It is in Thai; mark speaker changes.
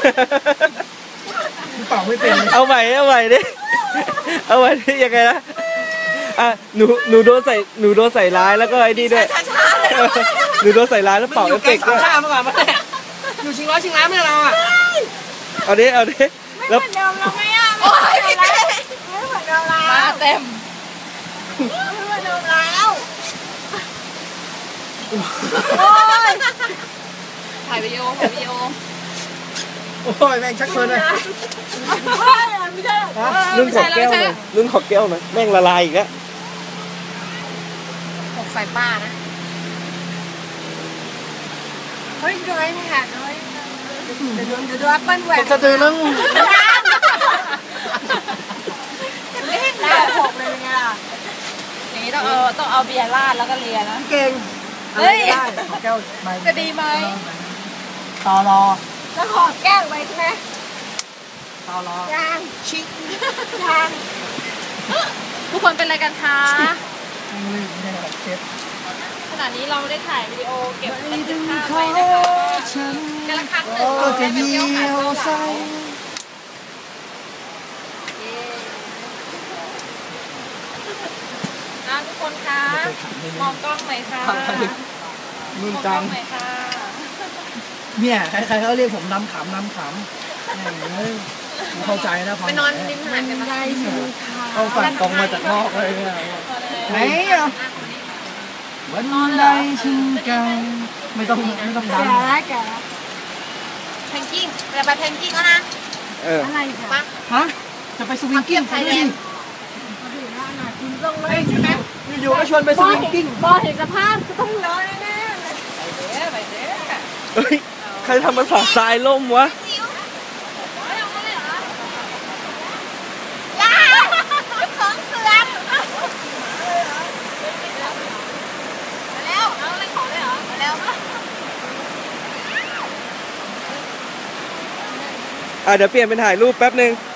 Speaker 1: เป่าไม่เป็น
Speaker 2: เอาใหม่ดิเอาใหม่ดิยังไงนะอ่ะหนูโดนใส่ร้ายแล้วก็ไอ้นี่ด้วยหนูโดนใส่ร้ายแล้วเป่าเอฟเฟกต์ด้วย
Speaker 1: ข้ามาก่อนมาเนี่ยอยู่ชิงร้อยชิงล้านไม่เราอ่ะ
Speaker 2: เอาดิแล้ว
Speaker 3: เดิมเราไม่อ่ะไม่เหมือนเดิมแล้วมาเต็มไม่เหมือนเดิมแล้วโอ้ยถ่ายวิดีโอ
Speaker 1: โอ้ยแม่งชักเชิญเลย
Speaker 3: ไม่ใช่
Speaker 2: รุ่นขอบแก้วหน่อยรุ่นขอบแก้วหน่อยแม่งละลายอีกแล้ว
Speaker 3: หกใส่ป้านะเฮ้ยดูไอ้นี่ค่ะเดี๋ยวดูแอปเปิ้ลแหวน
Speaker 1: จะตื่นแล้ว
Speaker 3: ได้หกเลยไงล่ะอย่างนี้ต้องเอาเบียร์ราดแล้วก็เลียนะ
Speaker 1: เก่ง
Speaker 3: เฮ้ย
Speaker 1: แก้ว
Speaker 3: จะดีไหม
Speaker 1: ต่อรอ
Speaker 3: แล้วขอแก้วไปใช่ไหม
Speaker 1: ต่อรอย
Speaker 3: างชิคยางทุกคนเป็นอะไรกันคะขณะนี้เราได้ถ่ายวิดีโอเก็บบันทึกภาพไว้นะคะการละครั้งหนึ่งเราจะเยี่ยวใส่ทุกคนคะมองกล้องหน่อยค่ะ
Speaker 1: นุ่นจังเนี่ยใครๆเขาเรียกผมน้ำขำเข้าใจนะพอ
Speaker 3: ไปนอนริมหาดกันได้
Speaker 1: เอาสั่งตรงมาจากนอกเลยไหนอ่ะวันใดฉันกันไม่ต้องดัง
Speaker 3: แกเพนกิ้งจะไปเพนกิ้งแล้วนะอะไรคะ
Speaker 1: ฮะจะไปสวิงกิ้ง
Speaker 3: ไทยแลนด์คุณลงเลยใช่ไหม
Speaker 1: อยู่ๆก็ชวนไปสวิงกิ้ง
Speaker 3: บอเห็นสภาพก็ต้องร้อนแน่ๆไปเด้
Speaker 2: เฮ้ยใครทำมาสาดทรายล่มวะ
Speaker 3: ของเสือแล้วเอาอะไรของเลยเหรอแล้ว
Speaker 2: เดี๋ยวเปลี่ยนเป็นถ่ายรูปแป๊บนึง